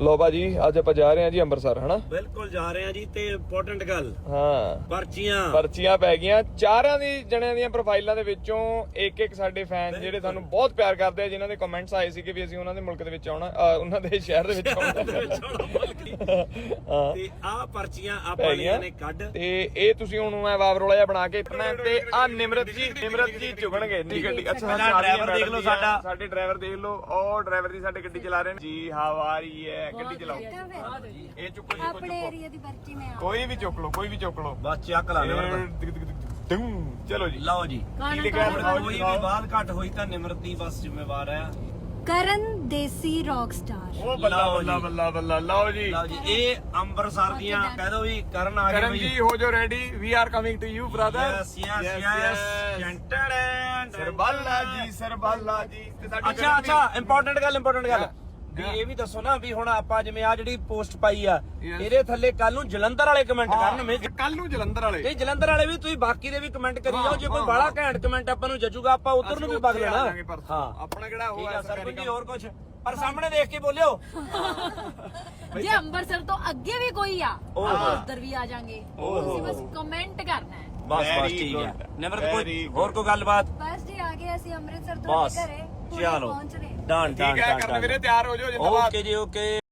ਲੋ ਭਾਜੀ ਅੱਜ ਆਪਾਂ ਜਾ ਰਹੇ ਹਾਂ ਜੀ ਅੰਮ੍ਰਿਤਸਰ ਹਨਾ। ਬਿਲਕੁਲ ਜਾ ਰਹੇ ਹਾਂ ਜੀ ਤੇ ਇੰਪੋਰਟੈਂਟ ਗੱਲ ਹਾਂ ਪਰਚੀਆਂ ਪੈ ਗਈਆਂ ਚਾਰਾਂ ਦੀ ਜਣਿਆਂ ਦੀਆਂ ਪ੍ਰੋਫਾਈਲਾਂ ਦੇ ਵਿੱਚੋਂ ਇੱਕ ਸਾਡੇ ਫੈਨ ਜਿਹੜੇ ਸਾਨੂੰ ਬਹੁਤ ਪਿਆਰ ਕਰਦੇ ਆ, ਜਿਨ੍ਹਾਂ ਦੇ ਕਮੈਂਟਸ ਆਏ ਸੀ ਕਿ ਵੀ ਅਸੀਂ ਉਹਨਾਂ ਦੇ ਮੁਲਕ ਦੇ ਵਿੱਚ ਆਉਣਾ, ਉਹਨਾਂ ਦੇ ਸ਼ਹਿਰ ਦੇ ਵਿੱਚ ਆਉਣਾ ਤੇ ਆਹ ਪਰਚੀਆਂ ਆਪਾਂ ਲਈਆਂ ਨੇ ਕੱਢ ਤੇ ਇਹ ਤੁਸੀਂ ਹੁਣ ਮੈਂ ਵਾਵਰੋਲਾ ਜਿਹਾ ਬਣਾ ਕੇ ਤੇ ਆ ਨਿਮਰਤ ਜੀ ਚੁਗਣਗੇ ਨੀ ਗੱਡੀ। ਅੱਛਾ ਡਰਾਈਵਰ ਦੇਖ ਲਓ ਸਾਡਾ, ਸਾਡੇ ਡਰਾਈਵਰ ਦੇਖ ਲਓ, ਉਹ ਡਰਾਈਵਰ ਦੀ ਸਾਡੇ ਗੱਡੀ ਚਲਾ ਰਹੇ ਨੇ ਜੀ। ਹਾਊ ਆਰ ਯੂ ਹੈ ਗੱਡੀ ਚਲਾਓ। ਇਹ ਚੁੱਕੋ ਜੀ ਆਪਣੇ ਏਰੀਆ ਦੀ ਪਰਚੀ ਮੈਂ ਕੋਈ ਵੀ ਚੁੱਕ ਲਓ, ਕੋਈ ਵੀ ਚੁੱਕ ਲਓ, ਬਸ ਚੱਕ ਲਾ ਲਿਓ। ਚਲੋ ਜੀ ਲਓ ਜੀ ਕੀ ਲਿਖਿਆ ਕੋਈ ਵੀ ਬਾਤ ਘੱਟ ਹੋਈ ਤਾਂ ਨਿਮਰਤ ਦੀ ਬਸ ਜ਼ਿੰਮੇਵਾਰ ਹੈ। ਕਰਨ ਦੇਸੀ ਰੌਕ ਸਟਾਰ। ਉਹ ਬੱਲਾ ਬੱਲਾ ਬੱਲਾ। ਲਓ ਜੀ ਇਹ ਅੰਮ੍ਰਿਤਸਰ ਦੀਆਂ ਕਹਿ ਦੋ ਵੀ ਕਰਨ ਆ ਗਏ ਕਰਨ ਜੀ ਹੋ ਜੋ ready, we are coming to you brother. ਸਰਬਾਲਾ ਜੀ ਤੇ ਸਾਡੀ ਅੱਛਾ ਇੰਪੋਰਟੈਂਟ ਗੱਲ ਵੀ ਇਹ ਵੀ ਦੱਸੋ ਨਾ ਵੀ ਹੁਣ ਆਪਾਂ ਜਿਵੇਂ ਆ ਜਿਹੜੀ ਪੋਸਟ ਪਾਈ ਆ ਇਹਦੇ ਥੱਲੇ ਕੱਲ ਨੂੰ ਜਲੰਧਰ ਵਾਲੇ ਕਮੈਂਟ ਕਰਨਗੇ। ਕੱਲ ਨੂੰ ਜਲੰਧਰ ਵਾਲੇ ਤੇ ਜਲੰਧਰ ਵਾਲੇ ਵੀ ਤੁਸੀਂ ਬਾਕੀ ਦੇ ਵੀ ਕਮੈਂਟ ਕਰੀ ਜਾਓ। ਜੇ ਕੋਈ ਬਾਹਲਾ ਘੈਂਟ ਕਮੈਂਟ ਆਪਾਂ ਨੂੰ ਜੱਜੂਗਾ ਆਪਾਂ ਉਧਰ ਨੂੰ ਵੀ ਵਗ ਲੈਣਾ। ਹਾਂ ਆਪਣਾ ਕਿਹੜਾ ਹੋਇਆ ਸਰਪੰਚ ਜੀ ਹੋਰ ਕੁਝ ਪਰ ਸਾਹਮਣੇ ਦੇਖ ਕੇ ਬੋਲਿਓ। ਜੇ ਅੰਮ੍ਰਿਤਸਰ ਤੋਂ ਅੱਗੇ ਵੀ ਕੋਈ ਆ ਉਧਰ ਵੀ ਆ ਜਾਾਂਗੇ, ਤੁਸੀਂ ਬਸ ਕਮੈਂਟ ਕਰਨਾ ਹੈ। ਬਸ ਠੀਕ ਹੈ। ਨਿਮਰਤ ਕੋਈ ਹੋਰ ਕੋਈ ਗੱਲਬਾਤ? ਬਸ ਜੀ ਆ ਗਏ ਅਸੀਂ ਅੰਮ੍ਰਿਤਸਰ ਤੋਂ ਘਰੇ, ਚਲੋ ਪਹੁੰਚ ਰਹੇ। ਡਨ ਠੀਕ ਹੈ ਕਰਨ ਵੀਰੇ, ਤਿਆਰ ਹੋ ਜਾਓ ਜਿੰਦਾਬਾਦ। ਓਕੇ ਜੀ ਓਕੇ।